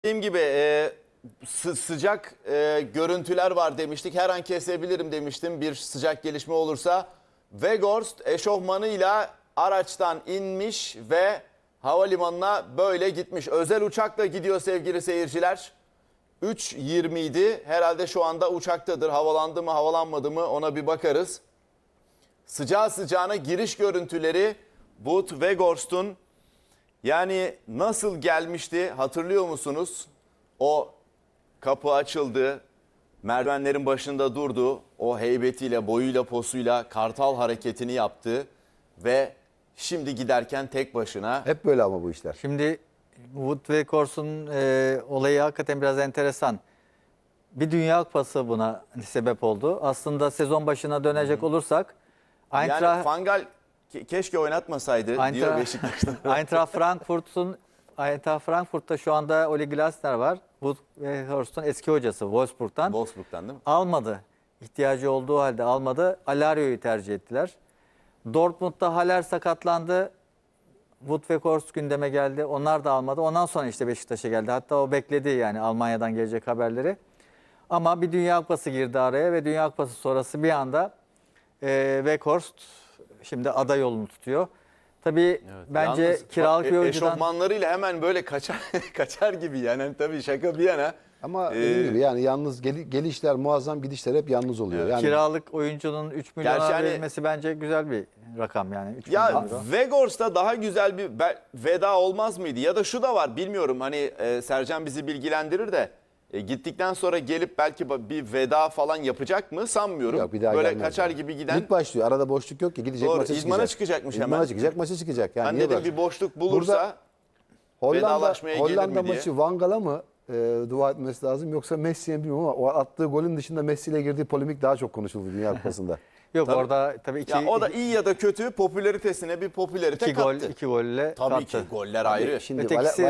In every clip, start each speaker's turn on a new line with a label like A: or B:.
A: Dediğim gibi sıcak görüntüler var demiştik. Her an kesebilirim demiştim bir sıcak gelişme olursa. Weghorst eşofmanıyla araçtan inmiş ve havalimanına böyle gitmiş. Özel uçakla gidiyor sevgili seyirciler. 3.20 idi. Herhalde şu anda uçaktadır. Havalandı mı havalanmadı mı ona bir bakarız. Sıcağı sıcağına giriş görüntüleri Wout Weghorst'un yani nasıl gelmişti hatırlıyor musunuz? O kapı açıldı, merdivenlerin başında durdu, o heybetiyle, boyuyla, posuyla kartal hareketini yaptı ve şimdi giderken tek başına.
B: Hep böyle ama bu işler.
C: Şimdi Wout Weghorst'un olayı hakikaten biraz enteresan. Bir Dünya Kupası buna sebep oldu. Aslında sezon başına dönecek olursak
A: Yani Fangal keşke oynatmasaydı diyor Beşiktaş'ta.
C: Eintracht Frankfurt'ta şu anda Ole Glasner var. Wout Weghorst'un eski hocası Wolfsburg'dan.
A: Wolfsburg'dan değil mi?
C: Almadı. İhtiyacı olduğu halde almadı. Alario'yu tercih ettiler. Dortmund'da Haller sakatlandı. Wout Weghorst gündeme geldi. Onlar da almadı. Ondan sonra işte Beşiktaş'a geldi. Hatta o bekledi yani Almanya'dan gelecek haberleri. Ama bir Dünya Kupası girdi araya ve Dünya Kupası sonrası bir anda Weghorst şimdi aday yolunu tutuyor. Tabii
A: Evet,
C: bence
A: yalnız
C: kiralık bir oyuncudan...
A: Eşofmanlarıyla hemen böyle kaçar gibi yani. Hani tabii şaka bir yana.
B: Ama dediğim gibi yani yalnız gelişler muazzam, gidişler hep yalnız oluyor.
A: Evet.
B: Yani
C: Kiralık oyuncunun 3 milyona
A: yani,
C: verilmesi bence güzel bir rakam yani. 3
A: Ya
C: milyon euro.
A: Weghorst'ta daha güzel bir veda olmaz mıydı? Ya da şu da var bilmiyorum hani Sercan bizi bilgilendirir de gittikten sonra gelip belki bir veda falan yapacak mı sanmıyorum.
B: yok, bir daha
A: böyle
B: gelmez
A: kaçar
B: yani.
A: gibi giden.
B: Lig başlıyor. Arada boşluk yok ki. Gidecek
A: Doğru,
B: maça
A: idmana
B: çıkacak.
A: çıkacakmış
B: İdmana
A: hemen.
B: çıkacak, maça çıkacak. Yani
A: Ben
B: niye
A: dedim
B: bırak?
A: bir boşluk bulursa vedalaşmaya gelir
B: Hollanda
A: mi diye.
B: maçı Van Gaal'a mı dua etmesi lazım yoksa Messi'ye mi bilmiyorum ama o attığı golün dışında Messi ile girdiği polemik daha çok konuşuldu Dünya Kupası'nda.
C: Yok
A: Tabii.
C: orada tabii iki,
A: Ya o da iyi ya da kötü popülaritesine bir popülarite
C: iki gol,
A: kattı.
C: iki golle
A: Tabii
C: kattı.
A: ki goller ayrı.
B: Şimdi
C: Ötekisi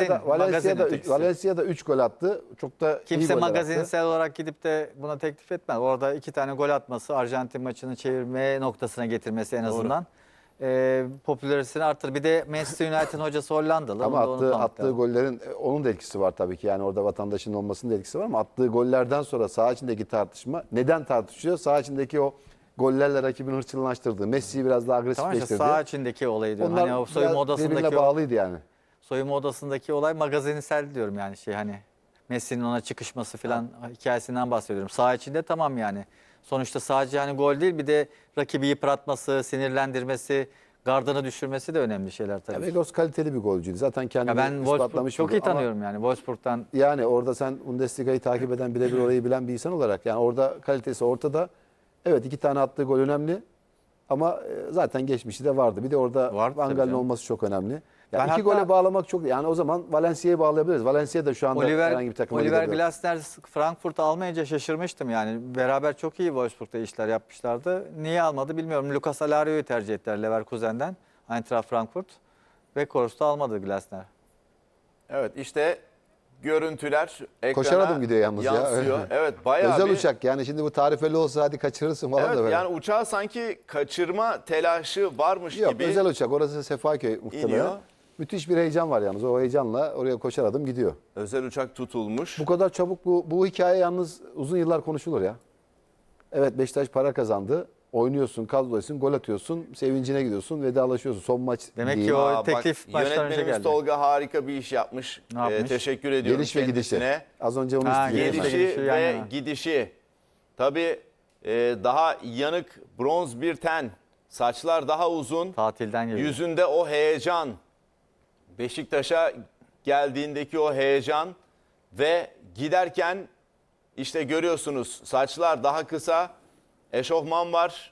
C: magazin.
B: Valencia'da 3 gol attı. Çok da iyi
C: Kimse
B: goller attı.
C: magazinsel olarak gidip de buna teklif etmez. Orada 2 tane gol atması, Arjantin maçını çevirme noktasına getirmesi en azından popülaritesini arttırır. Bir de Manchester United'ın hocası Hollandalı.
B: Ama
C: Onu da
B: attığı
C: unutmamak
B: gollerin onun da etkisi var tabii ki. Yani orada vatandaşın olmasının da etkisi var ama attığı gollerden sonra saha içindeki tartışma neden tartışıyor? Saha içindeki o gollerle rakibini hırçınlaştırdı. Messi'yi biraz daha
C: Tamam işte
B: agresifleştirdi.
C: saha içindeki olayı diyorum.
B: Onlar
C: Hani o soyunma
B: biraz
C: odasındaki
B: birbirine bağlıydı yani.
C: soyunma odasındaki olay magazinsel diyorum yani hani Messi'nin ona çıkışması falan hikayesinden bahsediyorum. Saha içinde tamam yani. Sonuçta sadece hani gol değil bir de rakibi yıpratması, sinirlendirmesi, gardını düşürmesi de önemli şeyler tabii.
B: Weghorst kaliteli bir golcüydü. Zaten kendini
C: Ya ben Wolfsburg
B: ispatlamış.
C: çok
B: bir
C: iyi
B: gol. Ama
C: tanıyorum yani Wolfsburg'dan.
B: yani orada sen Bundesliga'yı takip eden, birebir orayı bilen bir insan olarak yani orada kalitesi ortada. Evet 2 tane attığı gol önemli ama zaten geçmişi de vardı. Bir de orada
C: Vardı
B: Van
C: tabii
B: Gaal'in
C: canım.
B: olması çok önemli.
C: Ben
B: Yani 2
C: hatta-
B: gole bağlamak çok yani o zaman Valencia'yı bağlayabiliriz. Valencia da şu anda herhangi bir takıma
C: Oliver
B: gidebilir.
C: Glasner Frankfurt'u almayınca şaşırmıştım yani. Beraber çok iyi Wolfsburg'da işler yapmışlardı. Niye almadı bilmiyorum. Lucas Alario'yu tercih ettiler Leverkusen'den. Eintracht Frankfurt. Weghorst'u almadı Glasner.
A: Evet işte görüntüler ekrana
B: Koşar adım gidiyor yalnız ya.
A: yansıyor. Evet bayağı
B: Özel
A: bir...
B: uçak yani şimdi bu tarifeli olsa hadi kaçırırsın falan da
A: Evet
B: böyle.
A: yani uçağı sanki kaçırma telaşı varmış
B: Yok
A: gibi
B: özel uçak orası Sefaköy muhtemelen.
A: iniyor.
B: Müthiş bir heyecan var yalnız. O heyecanla oraya koşar adım gidiyor.
A: Özel uçak tutulmuş.
B: Bu kadar çabuk bu hikaye yalnız uzun yıllar konuşulur ya. Evet Beşiktaş para kazandı. Oynuyorsun, kadroysun, gol atıyorsun, sevincine gidiyorsun, vedalaşıyorsun. Son maç
C: Demek
B: değil.
C: ki o
A: Aa,
C: teklif
A: bak,
C: baştan önce
A: yönetmenimiz
C: geldi.
A: Tolga harika bir iş yapmış.
C: Ne yapmış?
A: Teşekkür ediyorum
B: Geliş ve gidişi.
A: kendisine.
B: Az önce onu
C: Ha,
B: isteyeceğim.
C: geliş ve
A: Gelişi
C: gidişi yan
A: ve
C: yana.
A: gidişi. Tabii daha yanık bronz bir ten. Saçlar daha uzun.
C: Tatilden geliyor.
A: Yüzünde o heyecan. Beşiktaş'a geldiğindeki o heyecan ve giderken işte görüyorsunuz saçlar daha kısa. Eşofman var.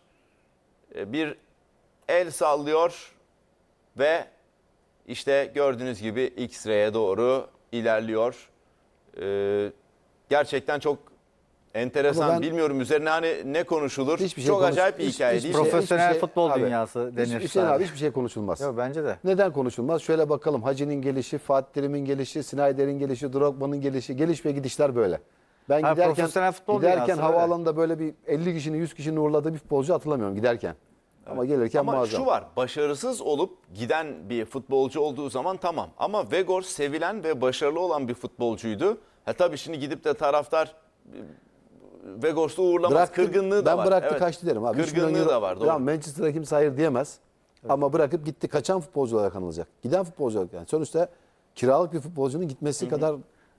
A: Bir el sallıyor ve işte gördüğünüz gibi X-ray'e doğru ilerliyor. Gerçekten çok enteresan.
B: Ama ben-
A: Bilmiyorum üzerine hani ne konuşulur.
B: Hiçbir şey
A: çok
B: konuş-
A: acayip bir
B: hiç-
A: hikaye
B: hiçbir
A: değil mi?
C: Profesyonel futbol
B: abi,
C: dünyası denir
B: Hüseyin
C: sadece.
B: abi hiçbir şey konuşulmaz.
C: Yok bence de.
B: Neden konuşulmaz? Şöyle bakalım. Hacı'nin gelişi, Fatih Terim'in gelişi, Snyder'in gelişi, Drogba'nın gelişi, geliş ve gidişler böyle. Ben
C: Ha,
B: giderken
C: profesyonel futbol dünyası, öyle.
B: havaalanında böyle bir 50 kişinin 100 kişinin uğurladığı bir futbolcu hatırlamıyorum giderken. Ama gelirken
A: Ama
B: muazzam.
A: şu var, başarısız olup giden bir futbolcu olduğu zaman tamam. Ama Weghorst sevilen ve başarılı olan bir futbolcuydu. Tabii şimdi gidip de taraftar Weghorst'u uğurlamaz. Kırgınlığı da
B: ben
A: var.
B: bıraktı
A: Evet.
B: kaçtı derim abi. 3 milyon
A: Kırgınlığı
B: euro-
A: da var. Doğru.
B: Tamam, Manchester'a kimse hayır diyemez. Ama bırakıp gitti. Kaçan futbolcu olarak anılacak. Giden futbolcu olarak yani. Sonuçta kiralık bir futbolcunun gitmesi kadar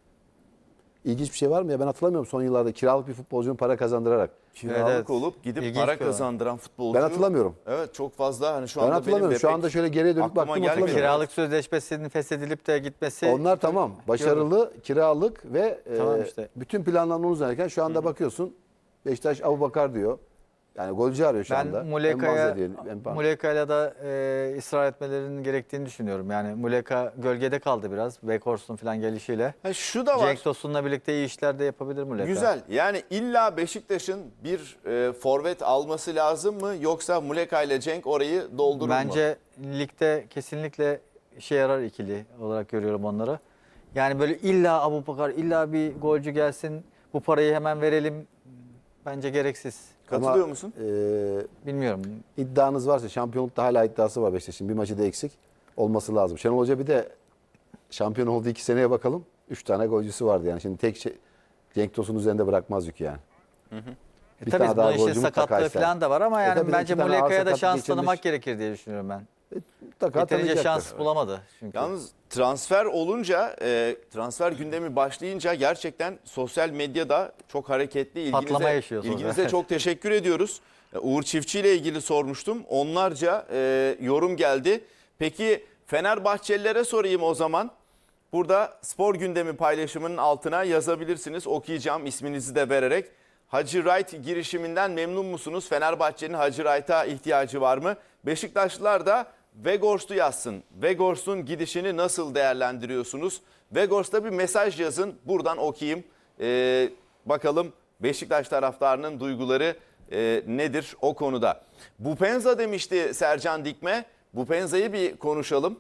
B: ilginç bir şey var mı ya? Ben hatırlamıyorum son yıllarda kiralık bir futbolcunun para kazandırarak.
A: Kiralık
C: Evet.
A: olup gidip
C: İlginç
A: para
C: bir olay.
A: kazandıran futbolcu.
B: Ben hatırlamıyorum.
A: Evet, çok fazla. Hani şu
B: Ben
A: anda
B: hatırlamıyorum.
A: benim de
B: Şu
A: pek
B: anda şöyle geriye dönüp
A: aklıma
B: baktım
A: gelmiyor.
B: hatırlamıyorum.
C: Kiralık sözleşmesinin feshedilip de gitmesi.
B: Onlar tamam. Başarılı, kiralık ve
C: Tamam işte.
B: bütün planlar onun üzerine. Şu anda bakıyorsun Beşiktaş Abubakar diyor. Yani golcü arıyor şu
C: Ben
B: anda.
C: Muleka'ya
B: Mbazze
C: Muleka'yla da ısrar etmelerinin gerektiğini düşünüyorum. Yani Muleka gölgede kaldı biraz. Weghorst'un falan gelişiyle.
A: Şu da var.
C: Cenk Tosun'la birlikte iyi işler de yapabilir Muleka.
A: Güzel. Yani illa Beşiktaş'ın bir forvet alması lazım mı? Yoksa Muleka ile Cenk orayı doldurur mu?
C: Bence ligde kesinlikle işe yarar ikili olarak görüyorum onları. Yani böyle illa Abubakar, illa bir golcü gelsin, bu parayı hemen verelim. Bence gereksiz.
A: Katılıyor musun?
C: Bilmiyorum.
B: İddianız varsa şampiyonlukta hala iddiası var Beşiktaş'ın. Bir maçı da eksik olması lazım. Şenol Hoca bir de şampiyon olduğu 2 seneye bakalım. 3 tane golcüsü vardı yani. Şimdi tek şey Cenk Tosun üzerinde bırakmaz yükü yani. Bir
C: Tabii
B: tane daha
C: bunun işin
B: golcü mutlaka
C: sakatlığı
B: ister.
C: falan da var ama yani
B: tabii
C: bence
B: iki tane ağır
C: Muleka'ya da
B: sakatlık
C: şans
B: geçirmiş.
C: tanımak gerekir diye düşünüyorum ben.
B: Mutlaka
C: Yeterince
B: tanıyacaktır.
C: şans bulamadı çünkü.
A: Yalnız transfer olunca, transfer gündemi başlayınca gerçekten sosyal medyada çok hareketli.
C: Patlama yaşıyor sonra.
A: İlginize çok teşekkür ediyoruz. Uğur Çiftçi ile ilgili sormuştum. Onlarca yorum geldi. Peki Fenerbahçelilere sorayım o zaman. Burada spor gündemi paylaşımının altına yazabilirsiniz. Okuyacağım isminizi de vererek. Hacı Wright girişiminden memnun musunuz? Fenerbahçe'nin Hacı Wright'a ihtiyacı var mı? Beşiktaşlılar da Weghorst'u yazsın. Weghorst'un gidişini nasıl değerlendiriyorsunuz? Weghorst'a bir mesaj yazın. Buradan okuyayım. Bakalım Beşiktaş taraftarının duyguları nedir o konuda? Bupenza demişti Sercan Dikme. Bupenza'yı bir konuşalım.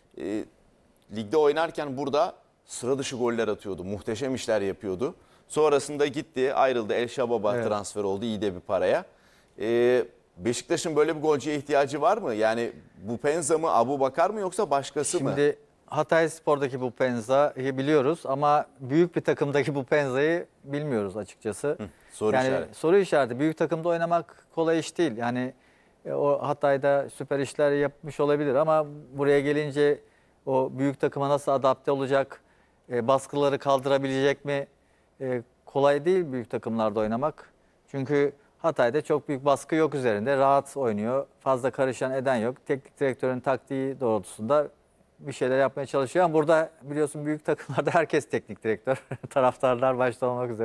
A: Ligde oynarken burada sıra dışı goller atıyordu. Muhteşem işler yapıyordu. Sonrasında gitti, ayrıldı. El Şabab'a
C: Evet.
A: transfer oldu iyi de bir paraya. Beşiktaş'ın böyle bir golcüye ihtiyacı var mı? Yani Bupenza mı, Abubakar mı yoksa başkası mı?
C: Şimdi Hatayspor'daki bu Penza'yı biliyoruz ama büyük bir takımdaki bu Penza'yı bilmiyoruz açıkçası.
A: Soru
C: yani
A: işareti.
C: soru işareti. Büyük takımda oynamak kolay iş değil. Yani o Hatay'da süper işler yapmış olabilir ama buraya gelince o büyük takıma nasıl adapte olacak, baskıları kaldırabilecek mi? Kolay değil büyük takımlarda oynamak. Çünkü Hatay'da çok büyük baskı yok üzerinde. Rahat oynuyor. Fazla karışan eden yok. Teknik direktörün taktiği doğrultusunda bir şeyler yapmaya çalışıyor. Ama burada biliyorsun büyük takımlarda herkes teknik direktör. Taraftarlar başta olmak üzere.